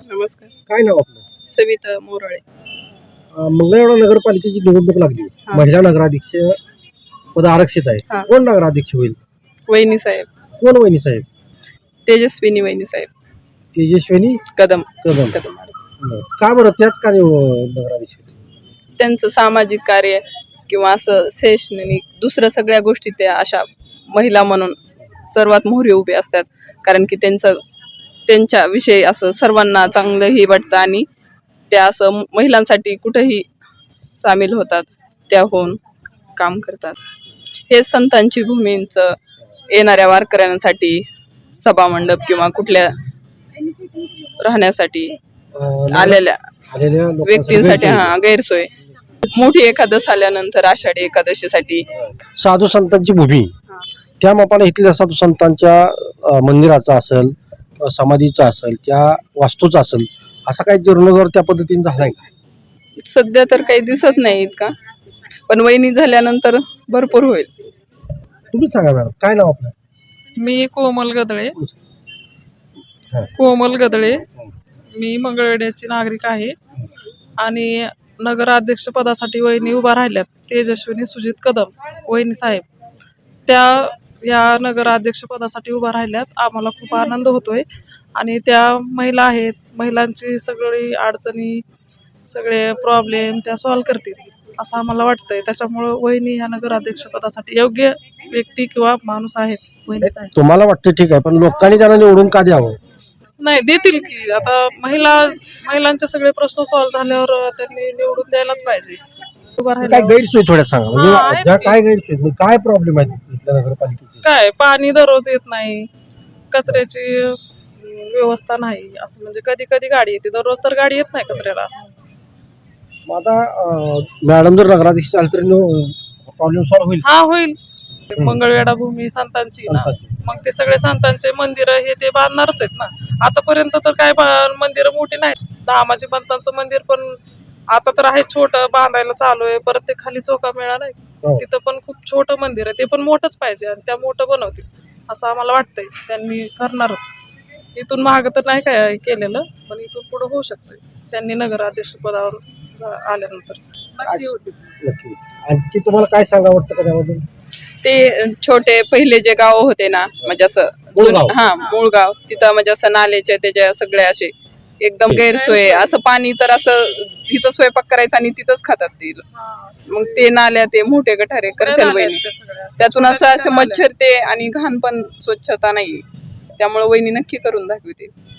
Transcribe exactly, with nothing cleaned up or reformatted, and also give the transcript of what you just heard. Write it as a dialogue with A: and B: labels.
A: नमस्कार.
B: काय नाव आपलं?
A: सविता मोराळे.
B: अं, मंगळवेढा नगरपालिकेची निवडणूक लागली.
A: हा.
B: महिला नगराध्यक्ष पद आरक्षित आहे.
A: हा.
B: कोण नगराध्यक्ष होईल?
A: वहिनी साहेब.
B: कोण वहिनी साहेब?
A: तेजस्विनी वहिनी साहेब.
B: तेजस्विनी
A: कदम.
B: कदम.
A: कदम.
B: बरं. का बरं त्याच का निव- नगराध्यक्ष होतील?
A: त्यांचं सामाजिक कार्य किंवा असं शैक्षणिक दुसऱ्या सगळ्या गोष्टी त्या अशा महिला म्हणून सर्वात मोहरी उभे असतात. कारण की त्यांचं त्यांच्या विषयी असं सर्वांना चांगलंही वाटतं आणि त्या असं महिलांसाठी कुठंही सामील होतात, त्या होऊन काम करतात. हे संतांची भूमींचं येणाऱ्या वारकऱ्यांसाठी सभामंडप किंवा कुठल्या राहण्यासाठी
B: अं,
A: आलेल्या
B: आलेल्या लोकांसाठी
A: व्यक्तींसाठी
B: गैरसोय.
A: हा गैरसोय. मोठी एकादश आल्यानंतर आषाढी एकादशीसाठी
B: साधू संतांची भूमी,
A: हा.
B: त्या मापाने इथल्या साधू संतांच्या अं, मंदिराचा असेल किंवा समाधीचा असेल त्या वास्तूचा असेल असा काही जीर्णोद्धार त्या पद्धतीने झालाय का?
A: सध्या तर काही दिसत नाही इतका, पण वहिनी झाल्यानंतर भरपूर होईल.
B: तुम्हीच सांगा मॅडम, काय नाव आपलं?
C: मी कोमल गदळे.
B: हा.
C: कोमल गदळे मी मंगळवेढ्याची नागरिक आहे आणि नगराध्यक्ष पदासाठी वहिनी उभा राहिल्यात. तेजस्विनी सुजित कदम वहिनी साहेब त्या या नगराध्यक्ष पदासाठी उभा राहिल्यात. आम्हाला खूप आनंद होतोय आणि त्या महिला आहेत. महिलांची सगळी अडचणी सगळे प्रॉब्लेम त्या सॉल्व करतील असं आम्हाला वाटतंय. त्याच्यामुळं वहिनी ह्या नगराध्यक्ष पदासाठी योग्य व्यक्ती किंवा माणूस आहेत. वहिनी साहेब
B: तुम्हाला वाटतं ठीक आहे, पण लोकांनी त्यांना निवडून का द्यावं?
C: नाही देतील की. आता महिला महिलांचे सगळे प्रश्न सॉल्व्ह झाल्यावर त्यांनी निवडून द्यायलाच पाहिजे. उभा
B: काय
C: राहिल्यावर
B: गैरसोय थोड्या सांगा,
C: हा, आहेत
B: म्हणजे ज्या
C: की.
B: काय गैरसोय म्हणजे काय प्रॉब्लेम आहे इथल्या नगरपालिकेची?
C: काय पाणी दररोज येत नाही, कचऱ्याची अं, व्यवस्था नाही. असं म्हणजे कधी कधी गाडी येते, दररोज तर गाडी येत नाही कचऱ्याला.
B: मग आता अं, मॅडम जर नगराध्यक्ष झाली तर प्रॉब्लेम सॉल्व्ह होईल?
C: हा होईल. मंगळवेढा भूमी संतांची ना, मग ते सगळे संतांचे मंदिर हे ते बांधणारच आहेत ना. आतापर्यंत तर काय मंदिर मोठी नाहीत. धामाजी पंतांचं मंदिर पण आता तर आहे छोटं, बांधायला चालू आहे. परत ते खाली चोका मेळा नाही,
B: हो.
C: तिथं पण खूप छोटं मंदिर आहे. ते पण मोठंच पाहिजे आणि त्या मोठं बनवतील असं आम्हाला वाटतंय. त्यांनी करणारच. इथून माग तर नाही काय केलेलं, पण इथून पुढे होऊ शकतंय. त्यांनी नगराध्यक्ष पदावर जा- आल्यानंतर नक्की होतील.
B: नक्की. आणखी तुम्हाला काय सांगा वाटतं का त्याबद्दल?
A: ते छोटे पहिले जे गाव होते ना, म्हणजे असं
B: मूळ
A: जुन-
B: गाव.
A: हा मूळ गाव, तिथं म्हणजे असं नाल्याचे त्याच्या सगळे असे एकदम गैरसोय. असं पाणी तर असं तिथं स्वयंपाक करायचा आणि तिथंच खातात ते. मग ते नाल्या ते मोठे गठारे करतील वहिनी. त्यातून असं असं मच्छर ते आणि घाण पण स्वच्छता नाही. त्यामुळे वहिनी नक्की करून दाखवते.